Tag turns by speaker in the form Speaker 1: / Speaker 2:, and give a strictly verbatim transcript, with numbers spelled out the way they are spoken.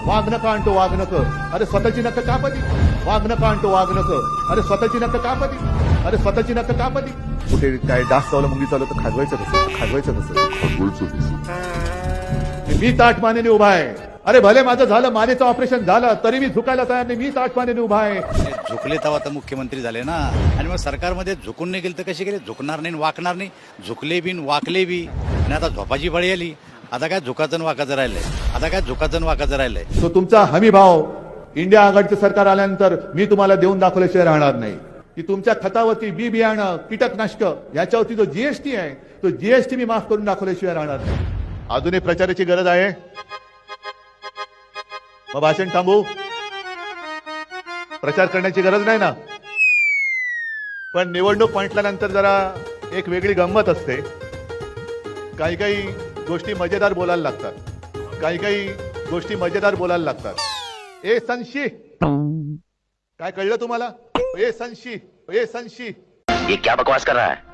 Speaker 1: वाघ नका आणतो वाघ नको, अरे स्वतःची नक्क कापती. वाघ नका आणतो वाघ नको, अरे स्वतःची नक्क कापती. अरे स्वतःची नक्क कापती. कुठे काय डास चावलं मुंगी चावलं तर खाजवायचं कसं, खाजवायचं कसं. मी ताठ मानेने उभा आहे. अरे भले माझं झालं, मानेचं ऑपरेशन झालं तरी मी झुकायला तयार नाही. मी ताठ मानेने उभा आहे.
Speaker 2: झुकले तेव्हा तर मुख्यमंत्री झाले ना. आणि मग सरकारमध्ये झुकून नाही गेले तर कसे गेले? झुकणार नाही वाकणार नाही. झुकले बी वाकले बी. आणि आता झोपाची बळी आली. आता काय झुकाचं वाकाचं राहिलंय. आता काय झुकाचं वाकाचं राहिलंय.
Speaker 1: तो तुमचा हमी भाव इंडिया आघाडीचं सरकार आल्यानंतर मी तुम्हाला देऊन दाखवल्याशिवाय राहणार नाही. की तुमच्या खतावरती बी बियाणं कीटकनाशक याच्यावरती जो जीएसटी आहे तो जीएसटी मी माफ करून दाखवल्याशिवाय राहणार नाही. अजूनही प्रचाराची गरज आहे. मग भाषण थांबू? प्रचार करण्याची गरज नाही ना. पण निवडणूक म्हटल्यानंतर जरा एक वेगळी गंमत असते. काही काही गोष्टी मजेदार बोलायला लागतात. काही काही गोष्टी मजेदार बोलायला लागतात. ए संशी, काय कळलं तुम्हाला? ए संशी, ए संशी,
Speaker 3: ये क्या बकवास कर रहा है?